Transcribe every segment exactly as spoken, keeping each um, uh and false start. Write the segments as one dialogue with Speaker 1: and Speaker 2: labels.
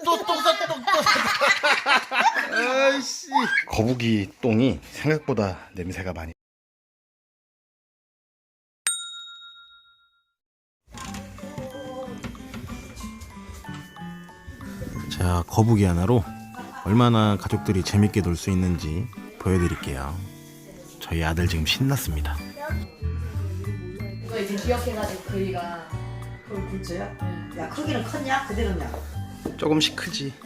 Speaker 1: 또똥 쌌다 똥 쌌다. 아이씨. 거북이 똥이 생각보다 냄새가 많이. 자, 거북이 하나로 얼마나 가족들이 재밌게 놀 수 있는지 보여드릴게요. 저희 아들 지금 신났습니다.
Speaker 2: 이거 이제 기억해가지고 그이가
Speaker 3: 그걸 굴쳐요? 야, 크기는 컸냐? 그대로냐?
Speaker 1: 조금씩 크지.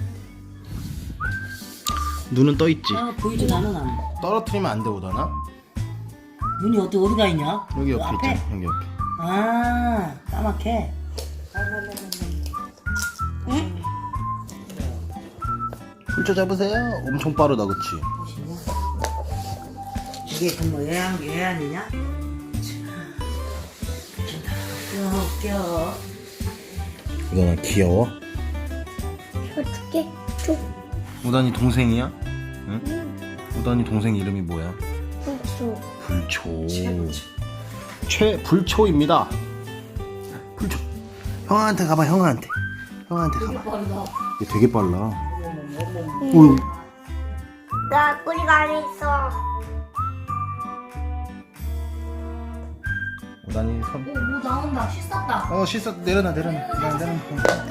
Speaker 1: 눈은 떠 있지.
Speaker 3: 아, 보이진 않아 나는.
Speaker 1: 떨어뜨리면 안 돼, 오더나?
Speaker 3: 눈이 어디 어디가 있냐?
Speaker 1: 여기 옆에
Speaker 3: 앞에?
Speaker 1: 있잖아. 여기 옆에.
Speaker 3: 아, 까맣게. 응?
Speaker 1: 굴쳐 잡으세요. 엄청 빠르다, 그치?
Speaker 3: 이게 그뭐 예안 예안이냐? 웃겨 웃겨.
Speaker 1: 우단아 귀여워?
Speaker 4: 어떻게 줘?
Speaker 1: 우단이 동생이야? 응? 응. 우단이 동생 이름이 뭐야?
Speaker 4: 줘.
Speaker 1: 불초.
Speaker 3: 최고지.
Speaker 1: 최불초입니다. 불초. 형한테 가봐, 형한테. 형한테 가봐.
Speaker 2: 빠르다.
Speaker 1: 얘 되게 빨라. 오.
Speaker 4: 나 꼬리가 안에 있어.
Speaker 1: 우단이 손.
Speaker 2: 오, 뭐 나온다. 씻었다.
Speaker 1: 어, 씻어. 내려놔, 내려놔. 내려놔, 내려놔.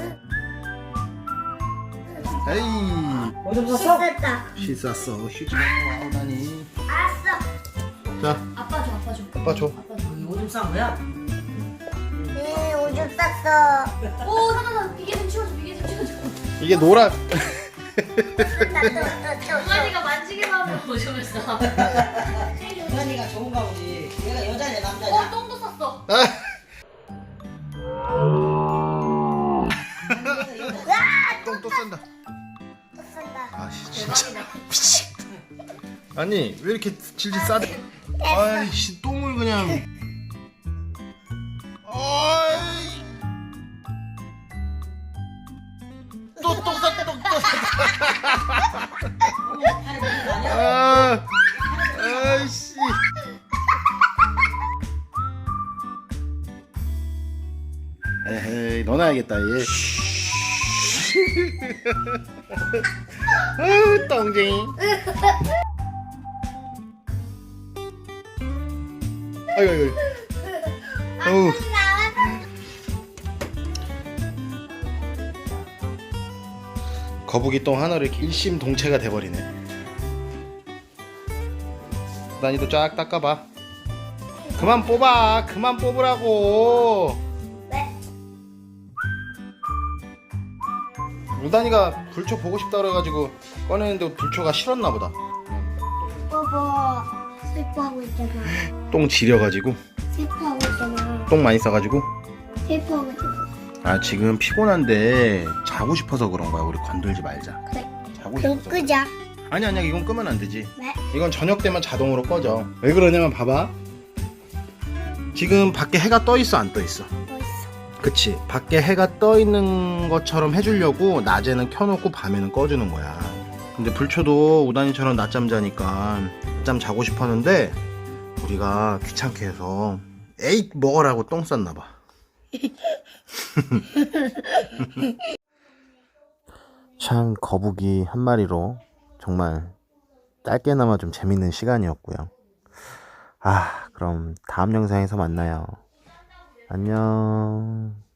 Speaker 1: 에이.
Speaker 3: 오줌 쌌어?
Speaker 4: 됐다.
Speaker 1: 씻었어. 쉬지 마, 우단이.
Speaker 4: 알았어.
Speaker 1: 자,
Speaker 2: 아빠 줘, 아빠 줘.
Speaker 1: 아빠 줘.
Speaker 2: 아빠 줘.
Speaker 3: 오줌 싼 거야?
Speaker 4: 네, 오줌 쌌어.
Speaker 2: 오, 잠깐만. 비계 좀 치워줘, 비계 좀 치워줘.
Speaker 1: 이게 노란.
Speaker 2: 동아리가 만지기만 하면 오줌을 싸.
Speaker 3: 여자니가 좋은가 보지. 얘가 여자냐
Speaker 2: 어,
Speaker 3: 남자냐?
Speaker 2: 똥도 쌌어.
Speaker 1: 똥 또 싼다.
Speaker 4: 또 싼다.
Speaker 1: 아, 진짜 미치. 아니 왜 이렇게 질질 싸대? 아이씨 똥을 그냥. 아이. 또똥 쌌다 똥 쌌다. 아, 아이씨. 에헤이 넣어놔야겠다 얘. 아유 똥쟁이. 아이고 아이고. 어우. 거북이 똥 하나로 이렇게 일심동체가 돼버리네. 난이도 쫙 닦아봐. 그만 뽑아. 그만 뽑으라고.
Speaker 4: 왜?
Speaker 1: 우단이가 불초 보고 싶다 그래가지고 꺼내는데 불초가 싫었나 보다.
Speaker 4: 봐봐. 슬퍼하고 있잖아.
Speaker 1: 똥 지려가지고
Speaker 4: 슬퍼하고 있잖아.
Speaker 1: 똥 많이 싸가지고.
Speaker 4: 슬퍼하고 있잖아.
Speaker 1: 아 지금 피곤한데 자고 싶어서 그런 거야. 우리 건들지 말자.
Speaker 4: 그래.
Speaker 1: 자고
Speaker 4: 그럼
Speaker 1: 싶어서.
Speaker 4: 끄자.
Speaker 1: 아니 아니야 이건 끄면 안 되지.
Speaker 4: 왜?
Speaker 1: 이건 저녁 되면 자동으로 꺼져. 왜 그러냐면 봐봐. 지금 밖에 해가 떠 있어 안 떠 있어?
Speaker 4: 멋있어.
Speaker 1: 그치. 밖에 해가 떠 있는 것처럼 해주려고 낮에는 켜놓고 밤에는 꺼주는 거야. 근데 불초도 우단이처럼 낮잠 자니까 낮잠 자고 싶었는데 우리가 귀찮게 해서 에잇 먹으라고 똥 쌌나봐. 참 거북이 한 마리로 정말 짧게나마 좀 재밌는 시간이었고요. 아 그럼 다음 영상에서 만나요. 안녕.